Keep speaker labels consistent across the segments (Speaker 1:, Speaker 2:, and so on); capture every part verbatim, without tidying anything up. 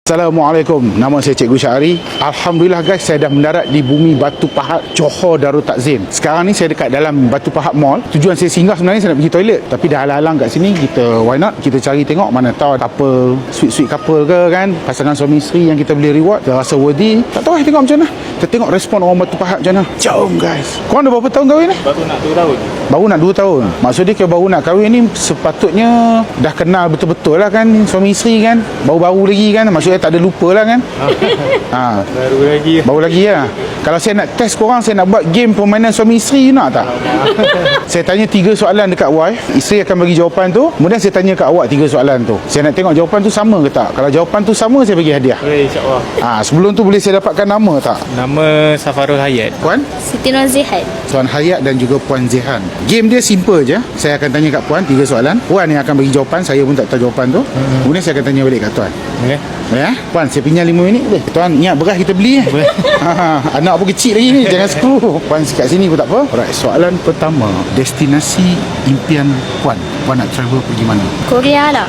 Speaker 1: Assalamualaikum, nama saya Cikgu Syahri. Alhamdulillah guys, saya dah mendarat di bumi Batu Pahat, Johor Darul Takzim. Sekarang ni saya dekat dalam Batu Pahat Mall. Tujuan saya singgah sebenarnya saya nak pergi toilet, tapi dah halang-halang kat sini. Kita why not, kita cari tengok mana tahu couple, sweet-sweet couple ke kan, pasangan suami isteri yang kita boleh reward, kita rasa worthy. Tak tahu eh, tengok macam mana. Kita tengok respon orang Batu Pahat macam mana. Jom guys. Korang dah berapa tahun kahwin ni?
Speaker 2: Baru nak dua tahun.
Speaker 1: Baru nak dua tahun. Maksudnya kalau baru nak kahwin ni sepatutnya dah kenal betul-betul lah kan, suami isteri kan. Baru-baru lagi kan, maksudnya tak ada lupa lah kan. ha.
Speaker 2: Baru lagi.
Speaker 1: Baru lagi lah. Kalau saya nak test korang, saya nak buat game permainan suami isteri, you nak tak? Saya tanya tiga soalan dekat wife, isteri akan bagi jawapan tu, kemudian saya tanya kat awak tiga soalan tu. Saya nak tengok jawapan tu sama ke tak. Kalau jawapan tu sama, saya bagi hadiah.
Speaker 2: Boleh, insyaAllah.
Speaker 1: ha, Sebelum tu boleh saya dapatkan nama tak?
Speaker 2: Nama Safarul Hayat.
Speaker 1: Puan?
Speaker 3: Siti Nurzihat.
Speaker 1: Tuan Hayat dan juga Puan Zihan. Game dia simple je. Saya akan tanya kat Puan tiga soalan. Puan yang akan bagi jawapan, saya pun tak tahu jawapan tu. hmm. Kemudian saya akan tanya balik kat Tuan.
Speaker 2: Okay.
Speaker 1: Ya, Puan, saya pinjam lima minit boleh? Tuan, ingat beras kita beli eh? ha, Anak pun kecil lagi ni, jangan screw. Puan kat sini pun tak apa. Alright, soalan pertama, destinasi impian Puan. Puan nak travel pergi mana?
Speaker 3: Korea lah.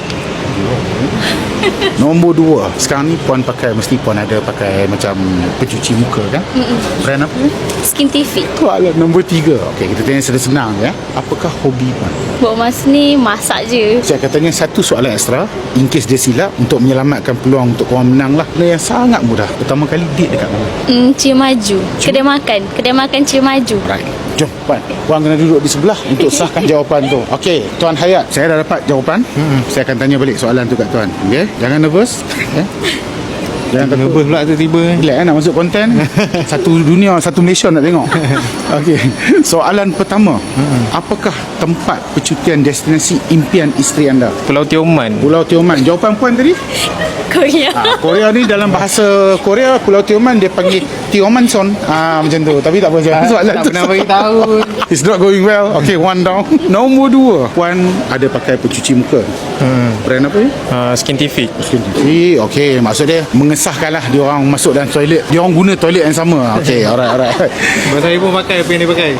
Speaker 1: Nombor dua, sekarang ni Puan pakai, mesti Puan ada pakai macam pencuci muka kan? Mm-mm. Brand apa?
Speaker 3: Skin T V.
Speaker 1: Soalan nombor tiga. Okey, kita tanya senang ya. Apakah hobi Puan?
Speaker 3: Buat masa ni masak je.
Speaker 1: Saya akan tanya satu soalan ekstra, in case dia silap, untuk menyelamatkan peluang untuk korang menang lah. Benda yang sangat mudah. Pertama kali date dekat mana?
Speaker 3: Hmm, Cium Maju. Kedai makan. Kedai makan Cium Maju.
Speaker 1: Right. Jom Puan, Puan kena duduk di sebelah untuk sahkan jawapan tu. Okey, Tuan Hayat, saya dah dapat jawapan. hmm. Saya akan tanya balik soalan tu kat Tuan. Okey, jangan nervous. Okay? Jangan takut.
Speaker 2: Nervous pula tiba-tiba.
Speaker 1: Relax eh, nak masuk konten. Satu dunia, satu Malaysia nak tengok. Okey, soalan pertama. hmm. Apakah tempat percutian destinasi impian isteri anda?
Speaker 2: Pulau Tioman.
Speaker 1: Pulau Tioman. Jawapan Puan tadi?
Speaker 3: Korea.
Speaker 1: Ha, Korea ni dalam bahasa Korea, Pulau Tioman dia panggil Tiomanson. Ah ha, macam tu. Tapi tak apa, soalan
Speaker 2: tak
Speaker 1: tu
Speaker 2: pernah bagi tahu.
Speaker 1: It's not going well. Okay, one down. Nombor dua, Puan ada pakai pencuci muka.
Speaker 2: hmm.
Speaker 1: Brand apa ni?
Speaker 2: Uh, Skin T V.
Speaker 1: Skin T V. Okay, maksud dia mengesahkan lah dia orang masuk dalam toilet, dia orang guna toilet yang sama. Okay, alright, alright.
Speaker 2: Sebab saya pun pakai apa yang dia pakai.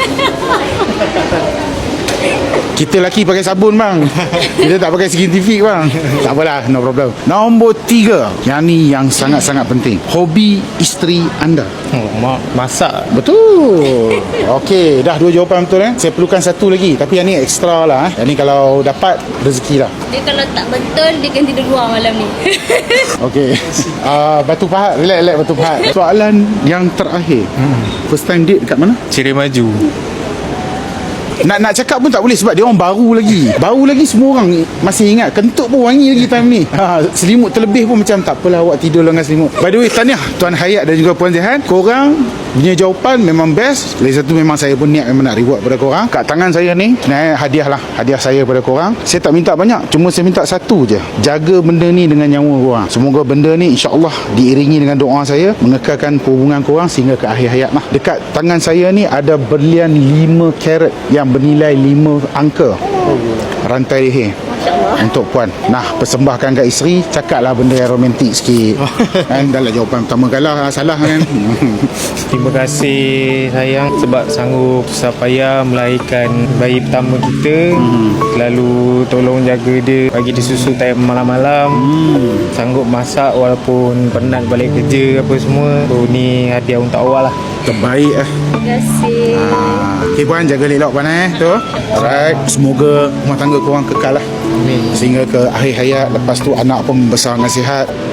Speaker 1: Kita lelaki pakai sabun bang, kita tak pakai skin T V bang. Tak apalah, no problem. Nombor tiga, yang ni yang sangat-sangat penting, hobi isteri anda.
Speaker 2: Oh, mak masak.
Speaker 1: Betul. Okey, dah dua jawapan betul eh. Saya perlukan satu lagi, tapi yang ni ekstra lah eh. Yang ni kalau dapat rezeki lah.
Speaker 3: Dia kalau tak betul, dia akan tidur luar malam ni.
Speaker 1: Okey. uh, Batu Pahat, relax, relax Batu Pahat. Soalan yang terakhir. hmm. First time date dekat mana?
Speaker 2: Cirim Maju.
Speaker 1: Nak nak cakap pun tak boleh sebab dia orang baru lagi. Baru lagi semua orang masih ingat. Kentut pun wangi lagi time ni. Ha, selimut terlebih pun macam tak apalah awak tidur dengan selimut. By the way, tahniah Tuan Hayat dan juga Puan Zihan. Korang punya jawapan memang best. Lagi satu, memang saya pun niat memang nak reward pada korang. Kat tangan saya ni, nah, hadiah lah. Hadiah saya pada korang. Saya tak minta banyak, cuma saya minta satu je. Jaga benda ni dengan nyawa korang. Semoga benda ni insya-Allah diiringi dengan doa saya, mengekalkan hubungan korang sehingga ke akhir hayat lah. Dekat tangan saya ni ada berlian lima karat yang bernilai lima angka. Rantai leher untuk Puan. Nah, persembahkan kat isteri, cakaplah benda yang romantik sikit. Kan dah lah jawapan pertama kalah, salah kan.
Speaker 2: Terima kasih sayang sebab sanggup susah payah melahirkan bayi pertama kita. hmm. Lalu tolong jaga dia, bagi dia susu time malam-malam. hmm. Sanggup masak walaupun penat balik kerja apa semua. So ni hadiah untuk awal lah.
Speaker 1: Terbaik eh.
Speaker 3: Terima kasih.
Speaker 1: Ah, okay Puan, jaga elok Puan eh tu. Alright, semoga rumah tangga korang kekal lah.
Speaker 2: Amin.
Speaker 1: Sehingga ke akhir hayat. Lepas tu anak pun membesar dengan sihat.